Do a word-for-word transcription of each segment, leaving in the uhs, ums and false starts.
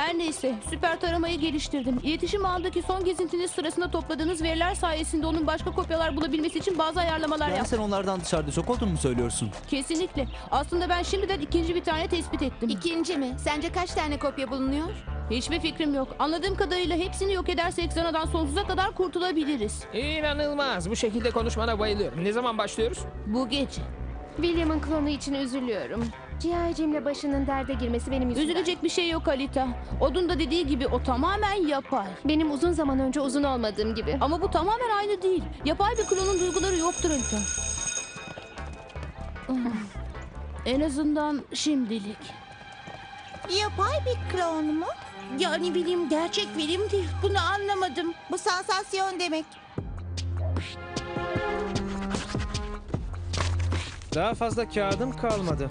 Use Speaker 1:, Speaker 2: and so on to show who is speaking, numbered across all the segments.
Speaker 1: Her neyse, süper taramayı geliştirdim. İletişim ağındaki son gezintiniz sırasında topladığınız veriler sayesinde onun başka kopyalar bulabilmesi için bazı ayarlamalar
Speaker 2: Yani
Speaker 1: yaptım.
Speaker 2: sen onlardan dışarıda çok olduğunu mu söylüyorsun?
Speaker 1: Kesinlikle. Aslında ben şimdiden ikinci bir tane tespit ettim.
Speaker 3: İkinci mi? Sence kaç tane kopya bulunuyor?
Speaker 1: Hiçbir fikrim yok. Anladığım kadarıyla hepsini yok edersek Zana'dan sonsuza kadar kurtulabiliriz.
Speaker 4: İnanılmaz. Bu şekilde konuşmana bayılıyorum. Ne zaman başlıyoruz?
Speaker 1: Bu gece.
Speaker 5: William'ın klonu için üzülüyorum. Ciğercimle başının derde girmesi benim yüzümden.
Speaker 1: Üzülecek bir şey yok Alita. Odun da dediği gibi o tamamen yapay.
Speaker 5: Benim uzun zaman önce uzun olmadığım gibi.
Speaker 1: Ama bu tamamen aynı değil. Yapay bir klonun duyguları yoktur Alita. En azından şimdilik.
Speaker 3: Yapay bir klon mu?
Speaker 1: Yani bilim gerçek bilim değil. Bunu anlamadım.
Speaker 3: Bu sansasyon demek.
Speaker 4: Daha fazla kağıdım kalmadı.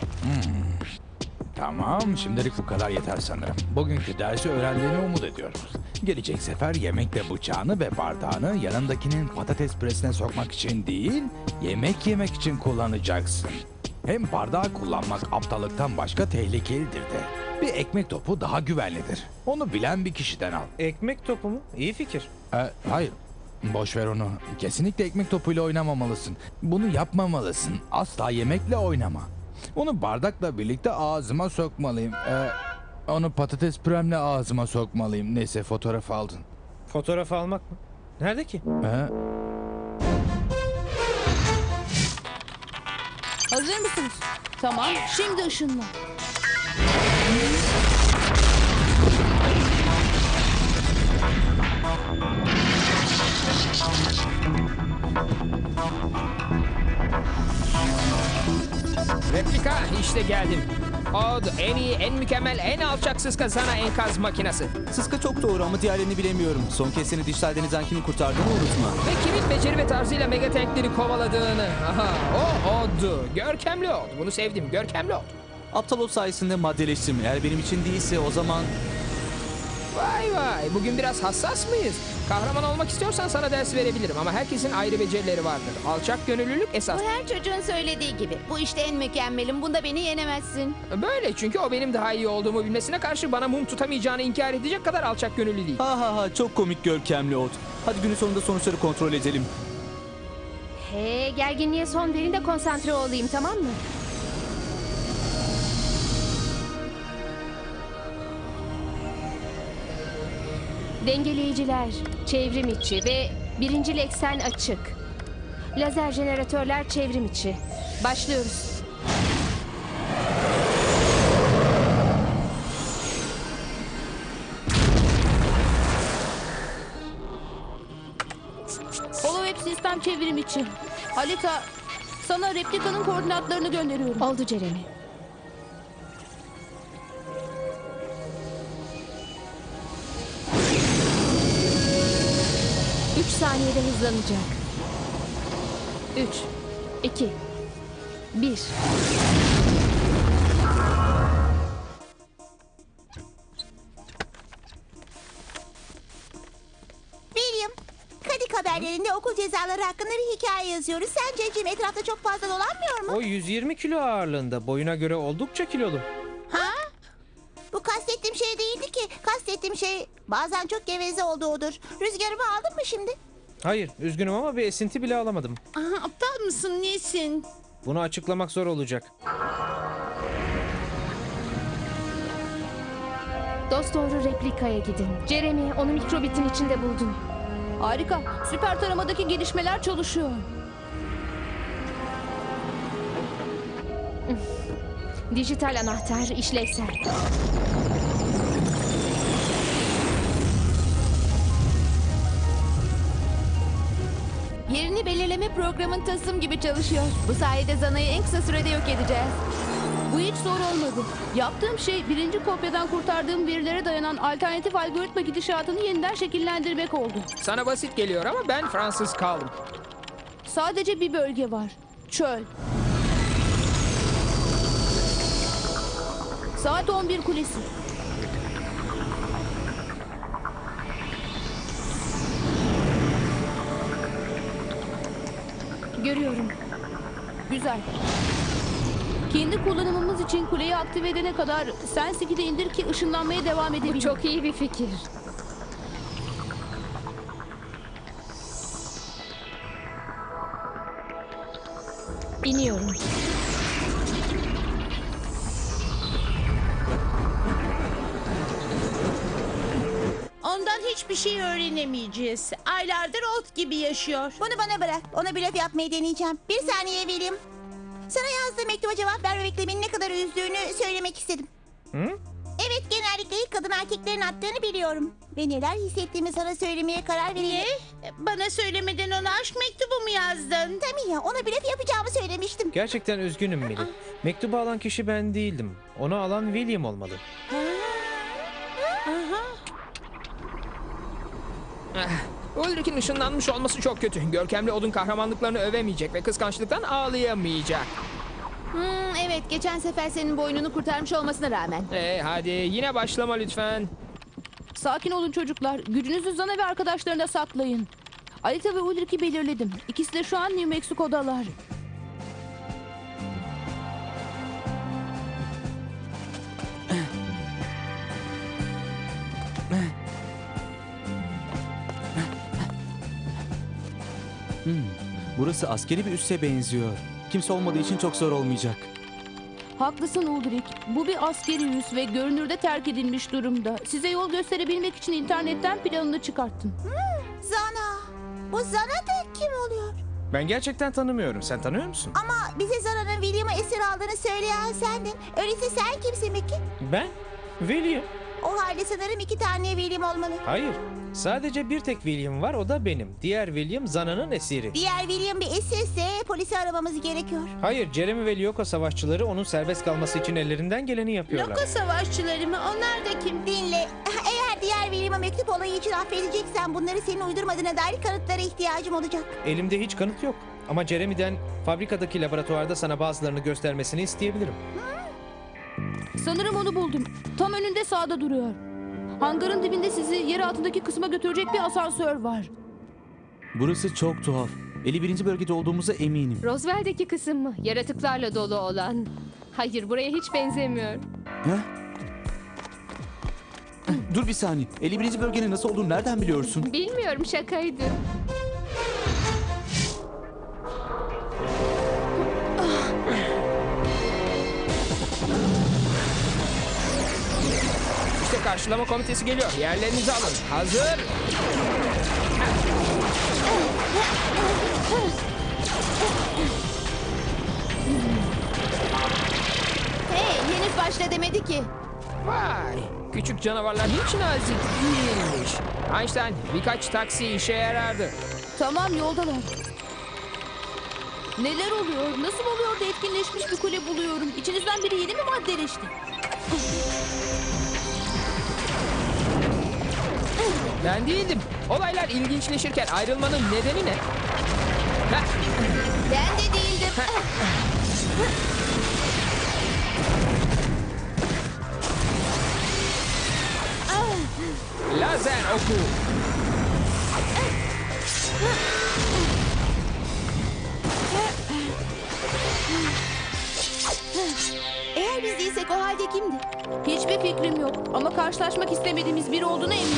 Speaker 6: Tamam, şimdilik bu kadar yeter sanırım. Bugünkü dersi öğrendiğini umut ediyorum. Gelecek sefer yemekle bıçağını ve bardağını yanındakinin patates püresine sokmak için değil, yemek yemek için kullanacaksın. Hem bardağı kullanmak aptallıktan başka tehlikelidir de. Bir ekmek topu daha güvenlidir. Onu bilen bir kişiden al.
Speaker 4: Ekmek topu mu? İyi fikir.
Speaker 6: E, hayır, boş ver onu. Kesinlikle ekmek topuyla oynamamalısın. Bunu yapmamalısın. Asla yemekle oynama. Onu bardakla birlikte ağzıma sokmalıyım. E, onu patates püremle ağzıma sokmalıyım. Neyse, fotoğraf aldın.
Speaker 4: Fotoğraf almak mı? Nerede ki?
Speaker 6: E,
Speaker 1: Hazır mısınız? Tamam, şimdi ışınla.
Speaker 4: Replika, işte geldim. Od, en iyi, en mükemmel, en alçak sıska sana enkaz makinesi.
Speaker 2: Sıska çok doğru ama diğerlerini bilemiyorum. Son kez seni dijital denizden kimin kurtardığını unutma.
Speaker 4: Ve kimin beceri ve tarzıyla megatankleri kovaladığını. Aha, o Od'du. Görkemli Od. Bunu sevdim, görkemli Od.
Speaker 2: Aptal ot sayesinde maddeleştim. Eğer benim için değilse o zaman...
Speaker 4: Vay vay, bugün biraz hassas mıyız? Kahraman olmak istiyorsan sana ders verebilirim ama herkesin ayrı becerileri vardır. Alçak gönüllülük esas.
Speaker 3: Bu her çocuğun söylediği gibi. Bu işte en mükemmelim. Bunda beni yenemezsin.
Speaker 4: Böyle çünkü o benim daha iyi olduğumu bilmesine karşı bana mum tutamayacağını inkar edecek kadar alçak gönüllü değil.
Speaker 2: Ha ha ha, çok komik görkemli ot. Hadi günün sonunda sonuçları kontrol edelim.
Speaker 5: He, gerginliğe son verin de konsantre olayım, tamam mı? Dengeleyiciler, çevrim içi ve birincil eksen açık. Lazer jeneratörler çevrim içi. Başlıyoruz.
Speaker 1: Holoweb sistem çevrim için. Alita, sana replikanın koordinatlarını gönderiyorum.
Speaker 5: Oldu Jeremy. Üç saniyede hızlanacak. Üç, iki, bir.
Speaker 3: William, Kadik haberlerinde okul cezaları hakkında bir hikaye yazıyoruz. Sence Jim etrafta çok fazla dolanmıyor mu?
Speaker 4: O yüz yirmi kilo ağırlığında, boyuna göre oldukça kilolu.
Speaker 3: Ha? Bu kastettiğim şey değildi ki. Kastettiğim şey bazen çok geveze olduğudur. Rüzgarımı aldın mı şimdi?
Speaker 4: Hayır, üzgünüm ama bir esinti bile alamadım.
Speaker 1: Aha, aptal mısın, nesin?
Speaker 4: Bunu açıklamak zor olacak.
Speaker 5: Dosdoğru replikaya gidin. Jeremy, onu mikrobitin içinde buldum.
Speaker 1: Harika, süper taramadaki gelişmeler çalışıyor.
Speaker 5: Dijital anahtar işlevsel.
Speaker 3: Yerini belirleme programın tasım gibi çalışıyor. Bu sayede Zana'yı en kısa sürede yok edeceğiz.
Speaker 1: Bu hiç zor olmadı. Yaptığım şey birinci kopyadan kurtardığım verilere dayanan alternatif algoritma gidişatını yeniden şekillendirmek oldu.
Speaker 4: Sana basit geliyor ama ben Fransız kaldım.
Speaker 1: Sadece bir bölge var. Çöl. Saat on bir kulesi.
Speaker 5: Görüyorum.
Speaker 1: Güzel. Kendi kullanımımız için kuleyi aktive edene kadar Sensik'i de indir ki ışınlanmaya devam
Speaker 5: Bu
Speaker 1: edebiliriz.
Speaker 5: çok iyi bir fikir. İniyorum.
Speaker 7: Ondan hiçbir şey öğrenemeyeceğiz. Aylardır ot gibi yaşıyor.
Speaker 3: Bunu bana bırak. Ona blöf yapmayı deneyeceğim. Bir saniye William. Sana yazdığım mektuba cevap vermemekle beni ne kadar üzdüğünü söylemek istedim.
Speaker 4: Hı?
Speaker 3: Evet, genellikle ilk adım erkeklerin attığını biliyorum. Ve neler hissettiğimi sana söylemeye karar vereyim.
Speaker 7: Ne? Bana söylemeden ona aşk mektubu mu yazdın?
Speaker 3: Tabii ya, ona blöf yapacağımı söylemiştim.
Speaker 8: Gerçekten üzgünüm Millie. Mektubu alan kişi ben değildim. Onu alan William olmalı.
Speaker 4: Ulrich'in ışınlanmış olması çok kötü. Görkemli odun kahramanlıklarını övemeyecek ve kıskançlıktan ağlayamayacak.
Speaker 1: Hmm, evet, geçen sefer senin boynunu kurtarmış olmasına rağmen.
Speaker 4: Ee, hadi yine başlama lütfen.
Speaker 1: Sakin olun çocuklar. Gücünüzü Zana ve arkadaşlarına saklayın. Alita ve Ulrich'i belirledim. İkisi de şu an New Mexico'dalar.
Speaker 2: Burası askeri bir üsse benziyor. Kimse olmadığı için çok zor olmayacak.
Speaker 1: Haklısın Ulrich. Bu bir askeri üs ve görünürde terk edilmiş durumda. Size yol gösterebilmek için internetten planını çıkarttım.
Speaker 3: Zana. Bu Zana da kim oluyor?
Speaker 8: Ben gerçekten tanımıyorum. Sen tanıyor musun?
Speaker 3: Ama bize Zana'nın William'ı esir aldığını söyleyen sendin. Öyleyse sen kimsin peki?
Speaker 8: Ben? William.
Speaker 3: O halde sanırım iki tane William olmalı.
Speaker 8: Hayır. Sadece bir tek William var, o da benim. Diğer William Zana'nın esiri.
Speaker 3: Diğer William bir esirse polisi aramamız gerekiyor.
Speaker 8: Hayır, Jeremy ve Lyoko savaşçıları onun serbest kalması için ellerinden geleni yapıyorlar.
Speaker 7: Loko savaşçıları mı? Onlar da kim?
Speaker 3: Dinle. Eğer diğer William'a mektup olayı için affedeceksen bunları senin uydurmadığına dair kanıtlara ihtiyacım olacak.
Speaker 8: Elimde hiç kanıt yok. Ama Jeremy'den fabrikadaki laboratuvarda sana bazılarını göstermesini isteyebilirim.
Speaker 1: Sanırım onu buldum. Tam önünde sağda duruyor. Hangarın dibinde sizi yer altındaki kısma götürecek bir asansör var.
Speaker 2: Burası çok tuhaf. elli birinci bölgede olduğumuza eminim.
Speaker 5: Roswell'deki kısım mı? Yaratıklarla dolu olan. Hayır, buraya hiç benzemiyor.
Speaker 2: He? Dur bir saniye. elli birinci bölgenin nasıl olduğunu nereden biliyorsun?
Speaker 5: Bilmiyorum, şakaydı.
Speaker 4: İşte karşılama komitesi geliyor. Yerlerinizi alın. Hazır.
Speaker 1: Hey, henüz başla demedi ki.
Speaker 4: Vay. Küçük canavarlar hiç nazik değilmiş. Einstein, birkaç taksi işe yarardı.
Speaker 1: Tamam, yoldalar. Neler oluyor? Nasıl oluyor da etkinleşmiş bir kule buluyorum? İçinizden biri yeni mi maddeleşti?
Speaker 4: Ben değildim. Olaylar ilginçleşirken ayrılmanın nedeni ne? Ha,
Speaker 1: Ben de değildim.
Speaker 4: lazer oku.
Speaker 1: Eğer biz değilsek o halde kimdi? Hiçbir fikrim yok ama karşılaşmak istemediğimiz biri olduğuna eminim.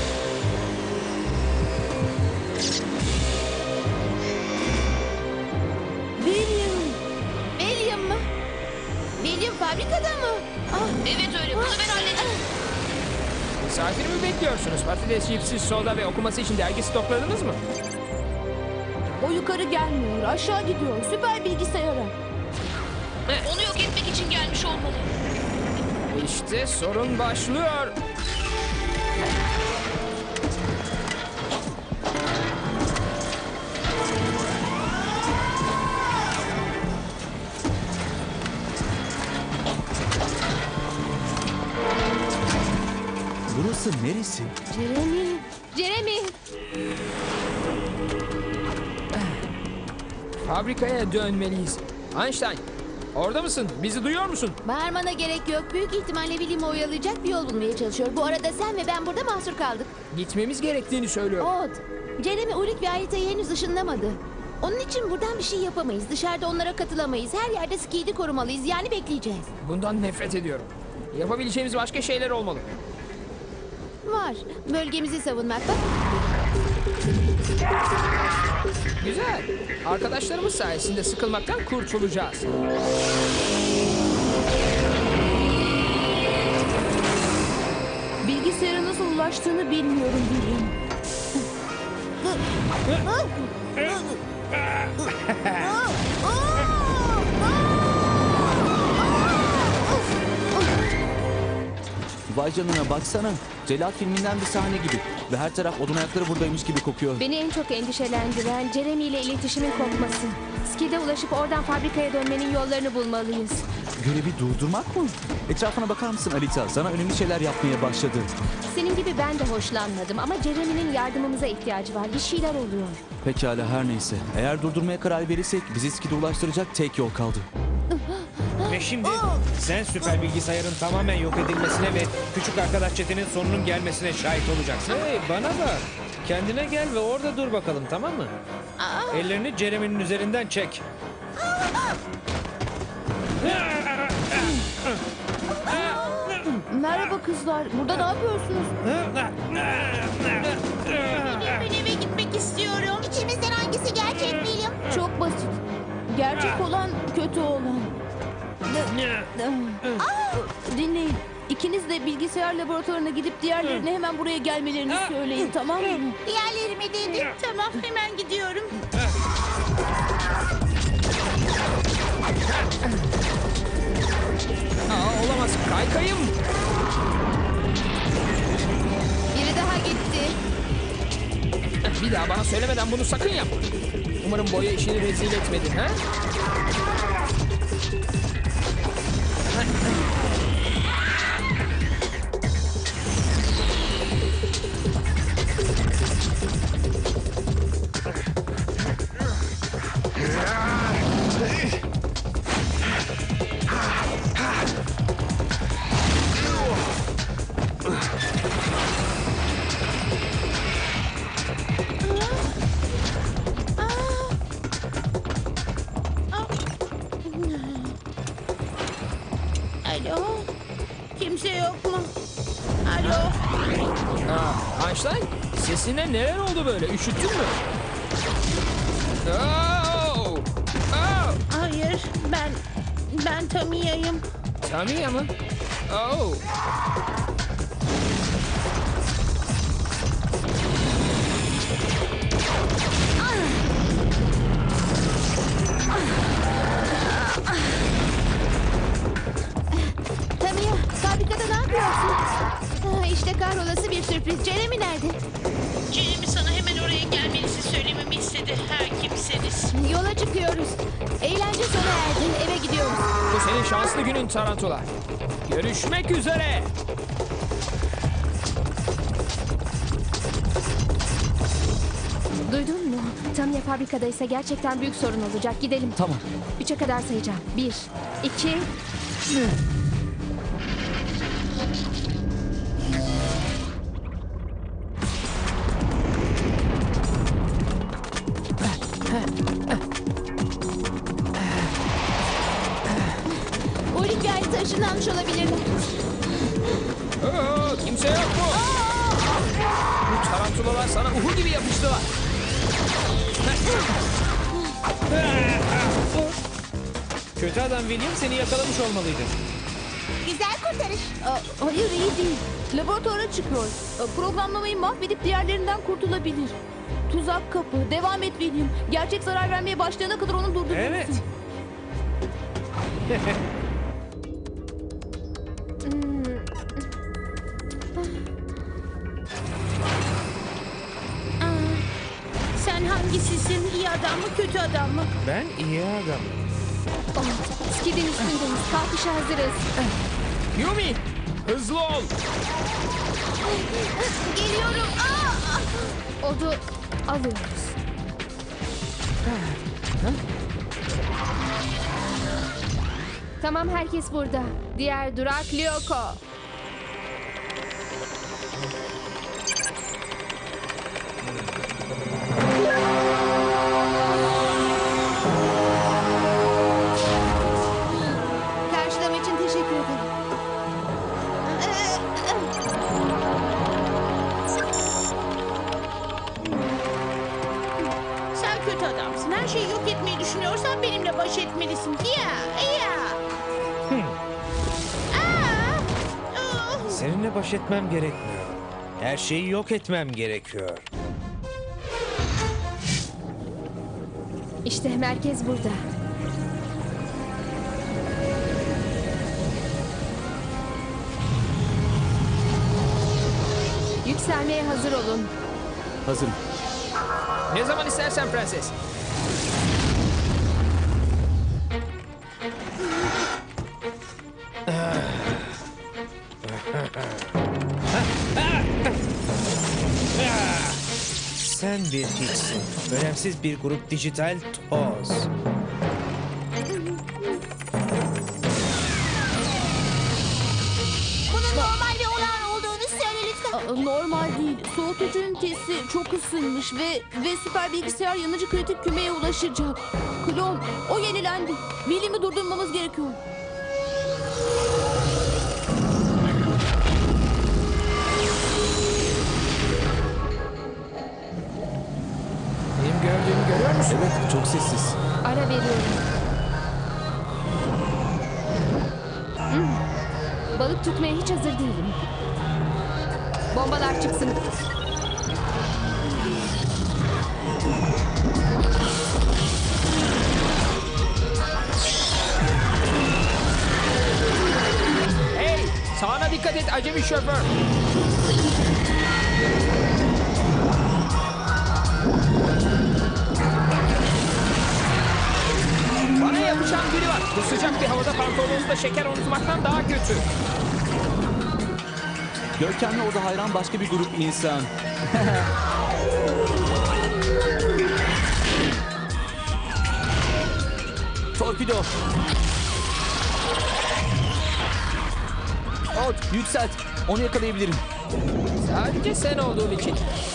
Speaker 1: William. William mı? William fabrikada mı? Ah, evet öyle. Bunu ben halledeceğim.
Speaker 4: Misafir mi bekliyorsunuz? Patates, cipsiz, soda ve okuması için dergi stokladınız mı?
Speaker 1: O yukarı gelmiyor. Aşağı gidiyor. Süper bilgisayara. Onu yok etmek için gelmiş olmalı.
Speaker 4: İşte sorun başlıyor.
Speaker 2: Burası neresi?
Speaker 5: Jeremy. Jeremy.
Speaker 4: Fabrikaya dönmeliyiz. Einstein, orada mısın? Bizi duyuyor musun?
Speaker 1: Bağırmana gerek yok. Büyük ihtimalle William'ı oyalayacak bir yol bulmaya çalışıyor. Bu arada sen ve ben burada mahsur kaldık.
Speaker 4: Gitmemiz gerektiğini söylüyor.
Speaker 1: Odd. Jeremy, Ulrich ve Alita'yı henüz ışınlamadı.
Speaker 9: Onun için buradan bir şey yapamayız. Dışarıda onlara katılamayız. Her yerde Skid'i korumalıyız. Yani bekleyeceğiz.
Speaker 4: Bundan nefret ediyorum. Yapabileceğimiz başka şeyler olmalı.
Speaker 9: Var. Bölgemizi savunmak. Bak.
Speaker 4: Güzel. Arkadaşlarımız sayesinde sıkılmaktan kurtulacağız.
Speaker 1: Bilgisayara nasıl ulaştığını bilmiyorum William.
Speaker 2: Vay canına baksana. Cellat filminden bir sahne gibi. Ve her taraf odun ayakları buradaymış gibi kokuyor.
Speaker 5: Beni en çok endişelendiren Jeremy ile iletişimin kopması. Skid'e ulaşıp oradan fabrikaya dönmenin yollarını bulmalıyız.
Speaker 2: Görevi durdurmak mı? Etrafına bakar mısın Alita? Sana önemli şeyler yapmaya başladı.
Speaker 5: Senin gibi ben de hoşlanmadım ama Jeremy'nin yardımımıza ihtiyacı var. Bir şeyler oluyor.
Speaker 2: Pekala her neyse. Eğer durdurmaya karar verirsek bizi Skid'e ulaştıracak tek yol kaldı.
Speaker 8: Ve şimdi sen süper bilgisayarın tamamen yok edilmesine ve küçük arkadaş çetenin sonunun gelmesine şahit olacaksın. Hey bana bak. Kendine gel ve orada dur bakalım, tamam mı? Ellerini Jeremy'nin üzerinden çek.
Speaker 1: Merhaba kızlar. Burada ne yapıyorsunuz?
Speaker 7: Ben eve gitmek istiyorum.
Speaker 3: İçimizden hangisi gerçek William?
Speaker 1: Çok basit. Gerçek olan kötü olan. Dinleyin. İkiniz de bilgisayar laboratuvarına gidip diğerlerine hemen buraya gelmelerini söyleyin, tamam mı?
Speaker 3: Diğerleri mi dedi?
Speaker 7: Tamam, hemen gidiyorum.
Speaker 4: Aa, olamaz. Kaykayım.
Speaker 9: Biri daha gitti.
Speaker 4: Bir daha bana söylemeden bunu sakın yapma. Umarım boya işini rezil etmedin ha?
Speaker 7: Alo, kimse yok mu? Alo,
Speaker 4: Aa, Einstein, sesine neler oldu böyle? Üşüttün mü? Oh! Oh!
Speaker 7: hayır, ben, ben Tamiya'yım.
Speaker 4: Tamiya mı? Oh!
Speaker 9: Tamiya, fabrikada ne yapıyorsun? Ha, işte kahrolası bir sürpriz. Jeremy nerede?
Speaker 7: Jeremy sana hemen oraya gelmenizi söylememi istedi. Her kimseniz.
Speaker 9: Yola çıkıyoruz. Eğlence sona erdi. Eve gidiyoruz.
Speaker 4: Bu senin şanslı günün Tarantula. Görüşmek üzere.
Speaker 5: Duydun mu? Tamiya fabrikadaysa gerçekten büyük sorun olacak. Gidelim.
Speaker 2: Tamam.
Speaker 5: Üçe kadar sayacağım. Bir, iki...
Speaker 9: Uğur'un gayri taşınlanmış olabilirler.
Speaker 4: Oo, kimse yok mu? Bu tarantulalar sana uhu gibi yapıştılar.
Speaker 8: Kötü adam William seni yakalamış olmalıydı.
Speaker 3: Güzel kurtarış.
Speaker 1: Aa, hayır iyi değil. Laboratuvara çıkıyor. Aa, Programlamayı mahvedip diğerlerinden kurtulabilir. Tuzak kapı. Devam et William. Gerçek zarar vermeye başlayana kadar onu durdurmalısın.
Speaker 8: Evet.
Speaker 7: Sen hangisisin? İyi adam mı, kötü adam mı?
Speaker 8: Ben iyi adamım.
Speaker 5: Oh, Skid'in üstündeyiz. Kalkışa hazırız.
Speaker 4: Yumi, hızlı ol.
Speaker 9: Geliyorum. Aa!
Speaker 5: Odu alıyoruz. Tamam, herkes burada. Diğer durak Lyoko.
Speaker 7: baş etmelisin. Ya, ya. Aa, oh.
Speaker 8: Seninle baş etmem gerekmiyor. Her şeyi yok etmem gerekiyor.
Speaker 5: İşte merkez burada. Yükselmeye hazır olun.
Speaker 2: Hazırım.
Speaker 4: Ne zaman istersen prenses.
Speaker 8: Sen bir hiçsin. Önemsiz bir grup dijital toz.
Speaker 3: Bunun normal ve olağan olduğunu söyle lütfen.
Speaker 1: Aa, normal değil. Soğutucu ünitesi çok ısınmış ve ve süper bilgisayar yanıcı kritik kümeye ulaşacak. Klon, o yenilendi. William'i durdurmamız gerekiyor.
Speaker 4: Benim gördüğümü görüyor musun?
Speaker 2: Evet, çok sessiz.
Speaker 5: Ara veriyorum. Hmm. Balık tutmaya hiç hazır değilim. Bombalar çıksın.
Speaker 4: Hey! Sağına dikkat et acemi şoför. Bana yapışan biri var. Bu sıcak bir havada pantolonunuzda şeker unutmaktan daha kötü.
Speaker 2: Görkemli orada hayran başka bir grup insan. Torpido. Ot, yükselt. Onu yakalayabilirim.
Speaker 4: Sadece sen olduğun için.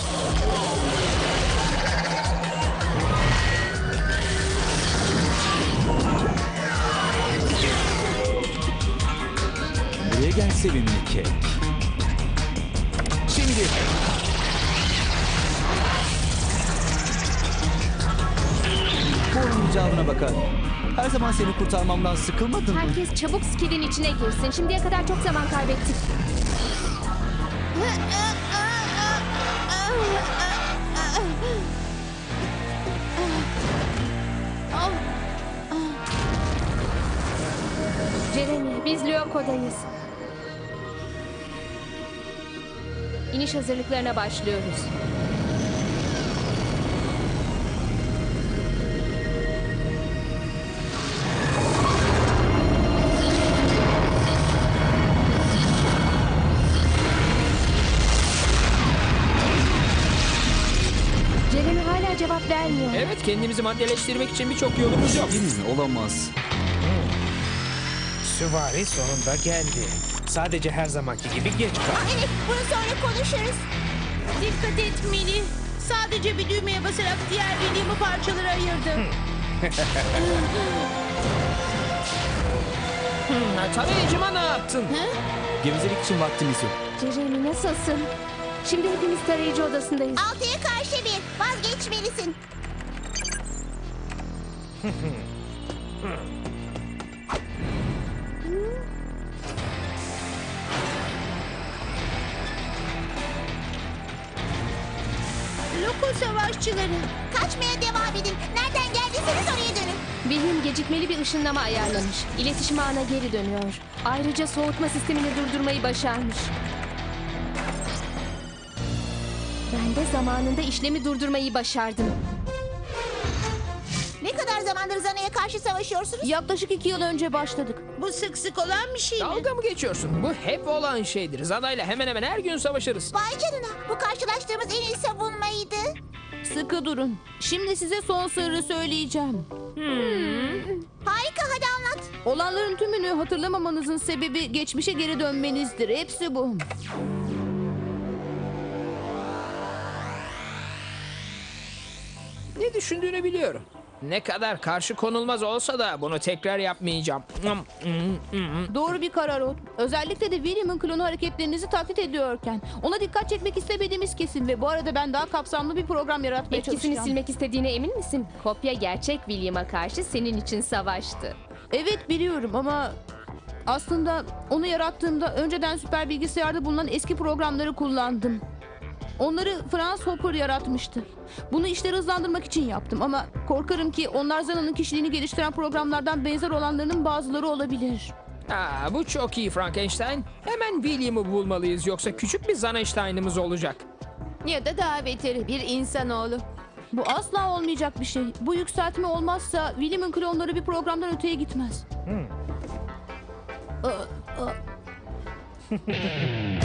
Speaker 2: Buraya gel sevimli kek. Şimdi. Bu onun icabına bakar. Her zaman seni kurtarmamdan sıkılmadın mı?
Speaker 5: Herkes çabuk skillin içine girsin. Şimdiye kadar çok zaman kaybettik. Jeremy, biz Lyoko'dayız. İniş hazırlıklarına başlıyoruz. Jeremy hala cevap vermiyor.
Speaker 4: Evet, kendimizi maddeleştirmek için birçok yolumuz yok.
Speaker 2: Değil mi? Olamaz.
Speaker 8: Süvari sonunda geldi. Sadece her zamanki gibi geç kaldı.
Speaker 3: Evet, bunu sonra konuşuruz.
Speaker 7: Dikkat et Mini. Sadece bir düğmeye basarak diğer William'ı parçalara ayırdım.
Speaker 4: Hmm, tarayıcıma ne yaptın?
Speaker 2: Gevezelik için vaktimiz yok.
Speaker 5: Jeremy nasılsın? Şimdi hepimiz tarayıcı odasındayız.
Speaker 3: Altıya karşı bir. Vazgeçmelisin.
Speaker 7: Loko savaşçıları.
Speaker 3: Kaçmaya devam edin. Nereden geldiyseniz oraya dönün.
Speaker 5: William gecikmeli bir ışınlama ayarlamış. İletişim ağına geri dönüyor. Ayrıca soğutma sistemini durdurmayı başarmış. Ben de zamanında işlemi durdurmayı başardım.
Speaker 3: Ne kadar zamandır Zana'ya karşı savaşıyorsunuz?
Speaker 1: Yaklaşık iki yıl önce başladık.
Speaker 7: Bu sık sık olan bir şey mi?
Speaker 4: Dalga mı geçiyorsun? Bu hep olan şeydir. Zana'yla hemen hemen her gün savaşırız.
Speaker 3: Vay canına. Bu karşılaştığımız en iyi savunmaydı.
Speaker 1: Sıkı durun. Şimdi size son sırrı söyleyeceğim.
Speaker 3: Harika, hadi anlat.
Speaker 1: Olanların tümünü hatırlamamanızın sebebi geçmişe geri dönmenizdir. Hepsi bu.
Speaker 4: Ne düşündüğünü biliyorum. Ne kadar karşı konulmaz olsa da bunu tekrar yapmayacağım.
Speaker 1: Doğru bir karar o. Özellikle de William'ın klonu hareketlerinizi taklit ediyorken. Ona dikkat çekmek istemediğimiz kesin ve bu arada ben daha kapsamlı bir program yaratmaya
Speaker 5: Etkisini
Speaker 1: çalışacağım.
Speaker 5: silmek istediğine emin misin? Kopya gerçek William'a karşı senin için savaştı.
Speaker 1: Evet biliyorum ama aslında onu yarattığımda önceden süper bilgisayarda bulunan eski programları kullandım. Onları Franz Hopper yaratmıştı. Bunu işleri hızlandırmak için yaptım ama korkarım ki onlar Zana'nın kişiliğini geliştiren programlardan benzer olanlarının bazıları olabilir.
Speaker 4: Aa, bu çok iyi Frankenstein. Hemen William'ı bulmalıyız yoksa küçük bir Zaneinstein'ımız olacak.
Speaker 9: Ya da daha beteri bir insanoğlu.
Speaker 1: Bu asla olmayacak bir şey. Bu yükseltme olmazsa William'ın klonları bir programdan öteye gitmez. Aa, aa.